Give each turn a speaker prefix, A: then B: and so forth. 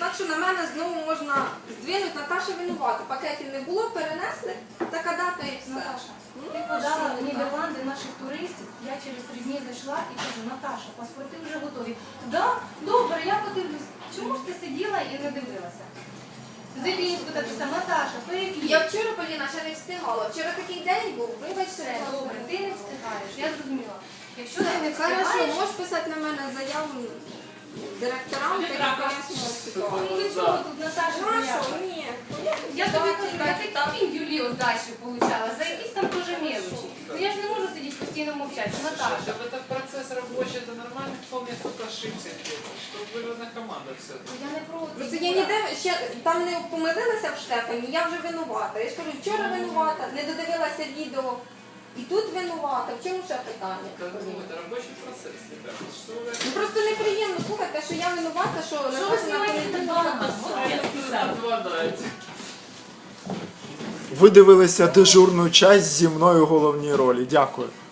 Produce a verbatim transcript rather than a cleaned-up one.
A: Так що на мене знову можна здвинути, Наташа винувата. Пакетів не було, перенесли, така дата і все.
B: Наташа, ти подала в Нідерланди наших туристів, я через три дні зайшла і кажу, Наташа, паспорти вже готові. Да, добре, я подивлюсь. Чому ж ти сиділа і не дивилася? Зелінську так писав, Наташа, переклій.
A: Я вчора, Поліна, ще не встигала. Вчора такий день був, вибачте.
B: Все, добре, ти не встигаєш, я зрозуміла. Якщо ти не
A: Хорошо,
B: встигаєш,
A: можеш писати на мене заяву директорам, та я пояснюю ситуацію.
B: ну чого тут Наташа
A: Хорошо,
B: боялась?
A: ні.
B: Я тобі кажу, я такі піндюлі удачі получала, за якісь там теж мелочі. Ну я ж не можу сидіти постійно мовчати, Наташа.
C: Слушай, это процесс рабочий, это нормально, вполне кто-то ошибся где-то, что выводная команда все.
B: Я не проти.
A: Просто я ніде ще там не помилилася в Штефані, я вже винувата. Я ж кажу, вчора винувата, не додивилася відео. І тут винувата. В чому ще питання?
C: Это, ну, это рабочий процесс, ребята. Что вы...
A: Ну просто неприємно слухати, що я винувата, що
B: Що ви
A: Наташа
B: знімаєте
A: на
C: Отвадаете.
D: Ви дивилися дежурну часть зі мною в головній ролі. Дякую.